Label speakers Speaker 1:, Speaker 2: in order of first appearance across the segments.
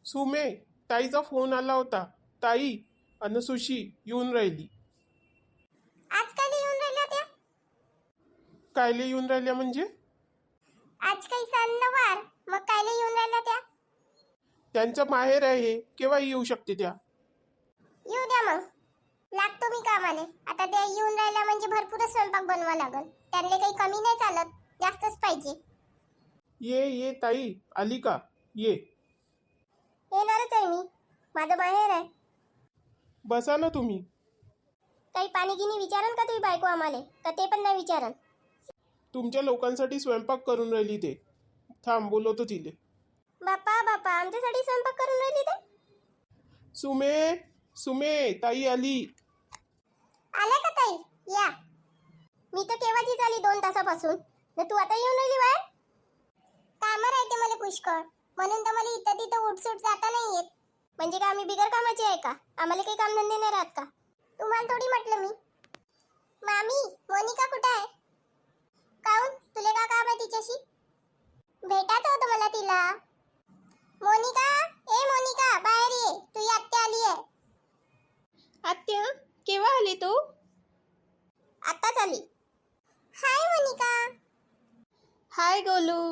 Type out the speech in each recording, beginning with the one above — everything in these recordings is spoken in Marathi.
Speaker 1: सुमे, ताईचा फोन आला होता. ताई अन सुशी येऊन राहिली.
Speaker 2: आज काय येऊन राहिल्या त्या?
Speaker 1: कायले येऊन राहिल्या म्हणजे?
Speaker 2: आज काही सण नवार, मग कायले येऊन राहिल्या त्या?
Speaker 1: त्यांचं माहेर आहे, केव्हा येऊ शकते त्या.
Speaker 2: येऊ द्या मग, लागतो मी कामाले. आता त्या येऊन राहिल्या म्हणजे भरपूरच स्वयंपाक बनवा लागल. त्यांना काही कमी नाही चालत, जास्तच पाहिजे.
Speaker 1: ये ये ताई, आली का? ये.
Speaker 2: येणारच आहे मी, माझं माहेर आहे.
Speaker 1: बसा ना तुम्ही.
Speaker 2: काही पाणी गिनी विचारन का तुम्ही बायको आम्हाला, का ते पण नाही विचारन?
Speaker 1: तुमच्या लोकांसाठी स्वयंपाक करून राहिली ते. थांब, बोलवतो तिले.
Speaker 2: बापा बापा, आमच्यासाठी स्वयंपाक करून राहिली ते?
Speaker 1: सुमे, सुमे, ताई आली.
Speaker 2: आल्या का ताई? या. मी तर केव्हाची झाली 2 तासापासून, तर तू आता येऊन राहिली बाहेर? कामं राहते मला पुष्कळ, म्हणून तर मला इथं तिथं उठसूट जाता नाही येत. म्हणजे का आम्ही बिगर कामाची आहे का? आम्हाला काही कामधंदे नाही राहत का? तुम्हाला थोडी म्हटलं मी. मामी, मोनिका कुठे आहे? काऊन, तुले का काम आहे तिच्याशी? भेटायचं होतं मला तिला. मोनिका, ए मोनिका, बाहेर ये, तुझी आत्या आली आहे.
Speaker 3: आत्या, केव्हा आली तू?
Speaker 2: आत्ताच आली. हाय मोनिका.
Speaker 3: हाय गोलू.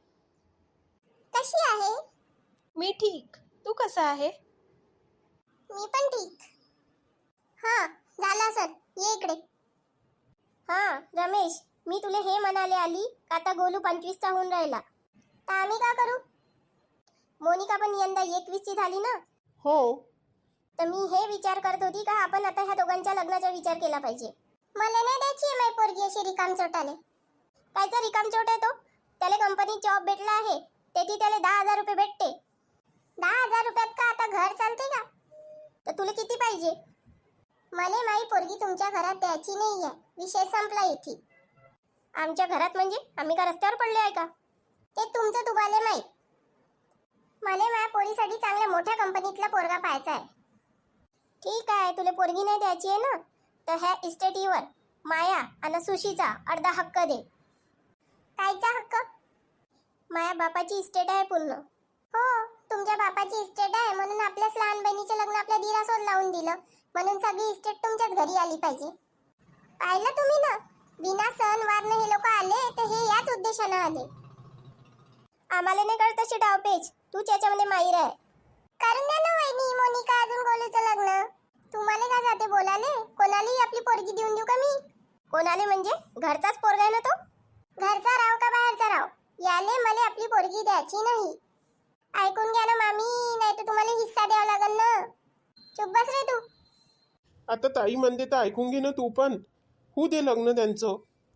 Speaker 2: कशी आहे?
Speaker 3: मी ठीक. तू कसा आहे?
Speaker 2: मी पण ठीक. हां, झालं सर, ये इकडे. हां रमेश, मी तुला हे म्हणाले आली का आता गोलू 25चा होऊन राहिला, तर आम्ही का करू? मोनिका पण यंदा 21ची झाली ना.
Speaker 1: हो.
Speaker 2: तर मी हे विचार करत होती का आपण आता ह्या दोघांच्या लग्नाचा विचार केला पाहिजे. मला नाही द्यायची आहे माझी पोरगी अशी रिकामचोटाले. कायचा रिकामचोट आहे तो? त्याला कंपनीत जॉब भेटला आहे, त्याची त्याला 10,000 रुपये भेटते. 10,000 रुपयात का आता घर चालते का? तर तुला किती पाहिजे? मला माझी पोरगी तुमच्या घरात द्यायची नाही आहे, विषय संपला इथे. आमच्या घरात म्हणजे आम्ही का रस्त्यावर पडले आहे का? ते तुमचं तुम्हाला माहीत. मला माझ्या पोरीसाठी चांगल्या मोठ्या कंपनीतला पोरगा पाहायचा आहे. ठीक आहे, तुला पोरगी नाही द्यायची आहे ना, तर ह्या इस्टेटीवर माया आणि सुशीचा अर्धा हक्क दे. कायचा हक्क? माया बापाची इस्टेट आहे पूर्ण. हो, तुमच्या बापाची इस्टेट आहे म्हणून आपल्याच लहान बहिणीचे लग्न आपल्या दिरासोबत लावून दिलं, म्हणून सगळी इस्टेट तुमच्याच घरी आली पाहिजे. पाहिलं तुम्ही ना, बिना सण वारनं हे लोक आले तर हे याच उद्देशानं आले. आम्हाला नाही कळत तशी डावपेच, तू त्याच्यामध्ये माहीर आहे. करून द्या ना वहिनी, मोनिका अजून गोलूचं लग्न. तुम्हाला का जाते बोलाले? कोणालाही आपली पोरगी देऊन देऊ का मी? कोणाले म्हणजे? घरचाच पोरगा आहे ना तो. घरचा राव का बाहेरचा राव, याले मला आपली पोरगी द्यायची नाही. ऐकून घ्या ना मामी, नाही तर तुम्हाला हिस्सा द्यावा लागेल ना. चुप बस रे तू.
Speaker 1: आता ताई म्हणते तर ऐकून घे ना तू पण. होऊ दे लग्न त्यांचं.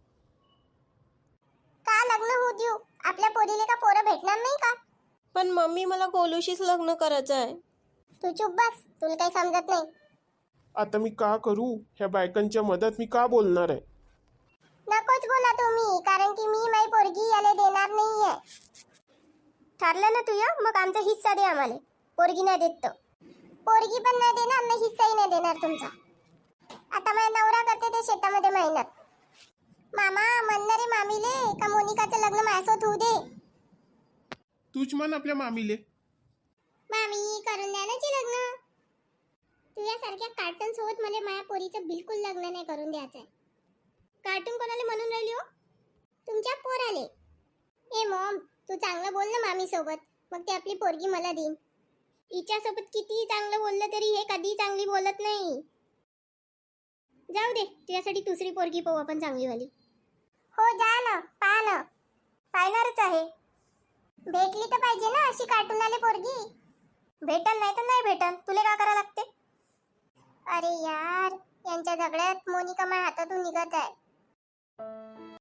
Speaker 2: का लग्न होऊ देऊ? आपल्या पोरीले का पोरं भेटणार नाही का?
Speaker 3: पण मम्मी, मला गोलूशीच लग्न करायचं आहे.
Speaker 2: तू चुप बस, तुला काही समजत नाही.
Speaker 1: आता मी का करू? ह्या बायकांच्या मदत मी का बोलणार आहे?
Speaker 2: नकोच बोला तुम्ही, कारण की मी माझी पोरगी याला देणार नाहीये. ठरलं ना तुझं, मग आमचा हिस्सा दे आम्हाला. पोरगी नाही देत तर पोरगी पण नाही देणार ना, हिस्साही नाही देणार तुमचा. आता माझा नवरा करते ते शेतामध्ये मेहनत. मामा म्हणणार रे मामीले का मोनिकाचं लग्न माझ्यासोबत होऊ दे.
Speaker 1: तूच म्हण आपल्या मामीले.
Speaker 2: मामी करून द्या ना ते लग्न. तुझ्यासारख्या कार्टून सोबत मला माझ्या पोरीचं बिलकुल लग्न नाही करून द्यायचंय. कार्टून कोणाला म्हणून राहिली हो? तुमच्या पोराले. ए मॉम, तू चांगलं बोल ना मामी सोबत, मग ते आपली पोरगी मला देईन. हिच्यासोबत किती चांगलं बोललं तरी हे कधी चांगली बोलत नाही. जाऊ दे, तुझ्यासाठी दुसरी पोरगी पाहू आपण चांगलीवाली. हो जा ना, पहा ना. पाहणारच आहे. भेटली तर पाहिजे ना अशी कार्टूनवाली पोरगी. भेटन नाही तर नाही भेटन, तुला का करा लागते? अरे यार, यांच्या झगड्यात मोनिका माझ्या हातातून निघत आहे.